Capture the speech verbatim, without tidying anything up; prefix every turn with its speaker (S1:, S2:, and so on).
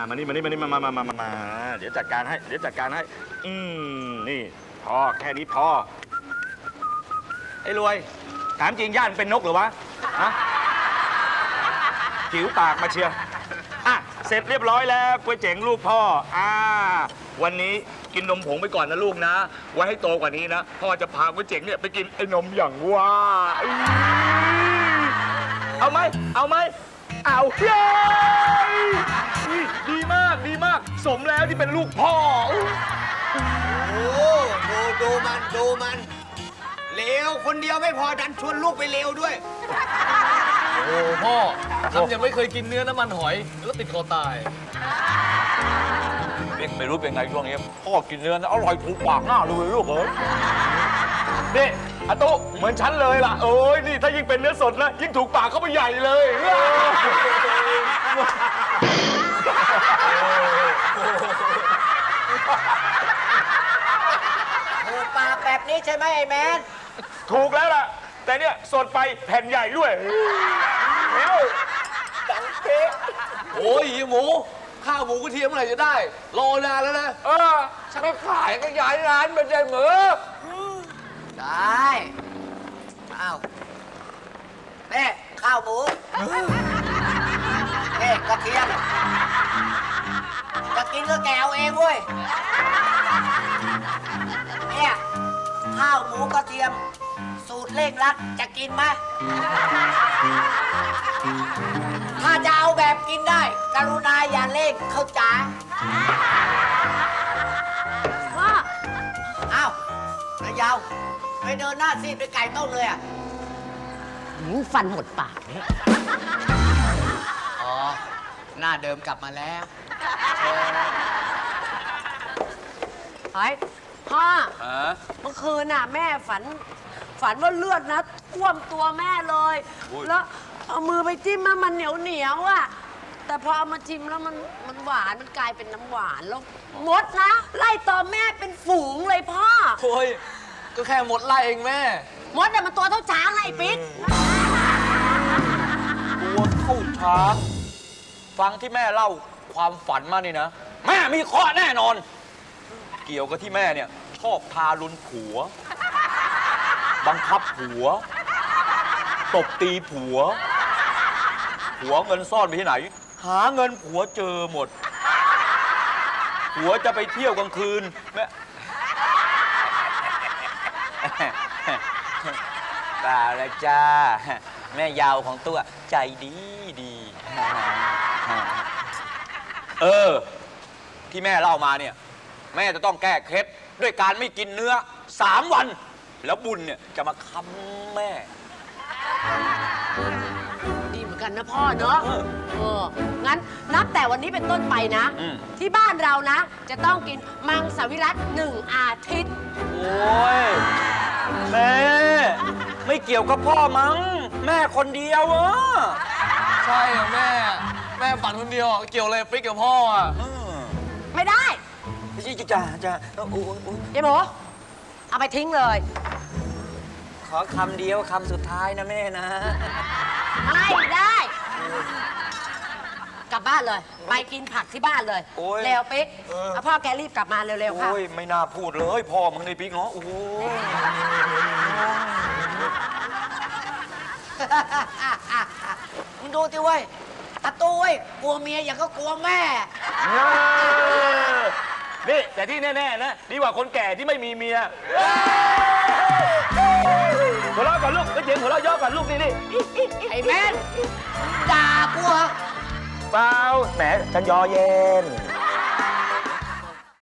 S1: มานี่มานี่มานี่มามามามามาเดี๋ยวจัดการให้เดี๋ยวจัดการให้อืมนี่พอแค่นี้พอไอ้รวยถามจริงย่านเป็นนกหรือวะฮะผิวปากมาเชียร์อ่ะเสร็จเรียบร้อยแล้วก๋วยเจ๋งลูกพ่ออ่าวันนี้กินนมผงไปก่อนนะลูกนะไว้ให้โตกว่านี้นะพ่อจะพาก๋วยเจ๋งเนี่ยไปกินไอ้นมอย่างว่าเอาไหมเอาไหมเอาเย้ดีมากดีมากสมแล้วที่เป็นลูกพ่อ
S2: โอ้ดูดูมันดูมันเลวคนเดียวไม่พอดันชวนลูกไปเลวด้วย
S3: โอ้พ่อทำยังไม่เคยกินเนื้อน้ำมันหอยแล้วติดคอตาย
S1: ไม่รู้เป็นไงช่วงนี้พ่อกินเนื้ออร่อยถูกปากหน้าเลยลูกเอ้ยนี่อาตุเหมือนฉันเลยล่ะโอ้ยนี่ถ้ายิ่งเป็นเนื้อสดนะยิ่งถูกปากเข้าไปใหญ่เลย
S2: ถูกปากแบบนี้ใช่ไหมไอ้แมน
S1: ถูกแล้วล่ะแต่เนี่ยสดไปแผ่นใหญ่ด้วยแล้วดังเป๊ะ
S3: โอ้ยหมูข้าวหมูกระเทียมเมื่อไหร่จะได้รอนานแล้วนะ
S1: เออฉันก็ขายก็ย้ายร้านเป็นใจเหมือ
S2: ได้อ้าวแม่ข้าวหมูแม่กระเทียมจะกินก็แกวเองเว้ยเนี่ยข้าวหมูกระเทียมสูตรเร่งรัดจะกินไหมถ้าจะเอาแบบกินได้กรุณาอย่าเร่งเข้าจ๋าว่าอ้าวนายยาวไปเดินหน้าซีดไปไก่ต้มเลยอ่ะ
S4: ฟันหมดปากเนี่ย
S2: อ๋อหน้าเดิมกลับมาแล้ว
S4: เฮ้ยพ่อเมื่อคืนน่ะแม่ฝันฝันว่าเลือดนะท่วมตัวแม่เลยแล้วเอามือไปจิ้มมามันเหนียวเหนียวอ่ะแต่พอเอามาจิ้มแล้วมันมันหวานมันกลายเป็นน้ำหวานแล้วมดนะไล่ตอมแม่เป็นฝูงเลยพ่อ
S3: โอ้ยก็แค่มดไล่เองแม่
S4: มดเนี่ยมันตัวเท่าช้างไอ้ปิ๊ก
S1: ตัวเท่าช้างฟังที่แม่เล่าความฝันมานี่นะแม่มีข้อแน่นอนเกี่ยวกับที่แม่เนี่ยชอบทารุณผัวบังคับผัวตบตีผัวผัวเงินซ่อนไปที่ไหนหาเงินผัวเจอหมดผัวจะไปเที่ยวกลางคืนแม่เปล่าละจ้าแม่ยาวของตัวใจดีดีเออที่แม่เล่ามาเนี่ยแม่จะต้องแก้เคล็ดด้วยการไม่กินเนื้อสามวันแล้วบุญเนี่ยจะมาค้ำแม่
S4: ดีเหมือนกันนะพ่อเนาะเอองั้นนับแต่วันนี้เป็นต้นไปนะที่บ้านเรานะจะต้องกินมังสวิรัติหนึ่งอาทิตย์
S1: โอ้ยแม่ไม่เกี่ยวกับพ่อมั้งแม่คนเดียวอ่ะ
S3: ใช่อะแม่แม่ฝันคนเดียวเกี่ยวอะไรปิ๊กกับพ่ออ่ะ
S4: ไม่ได้
S1: ไม่ใช่จ้าจ้าโอ้ย
S4: ยายหมูเอาไปทิ้งเลย
S1: ขอคำเดียวคำสุดท้ายนะแม่นะ
S4: ไม่ได้กลับบ้านเลยไปกินผักที่บ้านเลยเร็วปิ๊กเอาพ่อแกรีบกลับมาเร็วๆค่ะ
S1: โอ้ยไม่น่าพูดเลยพ่อมึงในปิ๊กเนาะโอ้โห
S2: มึงดูสิเว้ยตาตู้เว้ยกลัวเมียอย่างก็กลัวแม่
S1: นี่แต่ที่แน่ๆนะดีกว่าคนแก่ที่ไม่มีเมียหัวเราะก่อนลูกก็เจ๋งหัวเราะย่อก่อนลูกนี่นี่
S2: ไอ้แม่ด่ากูเหรอ
S1: เปล่าแหมฉันยอเย็น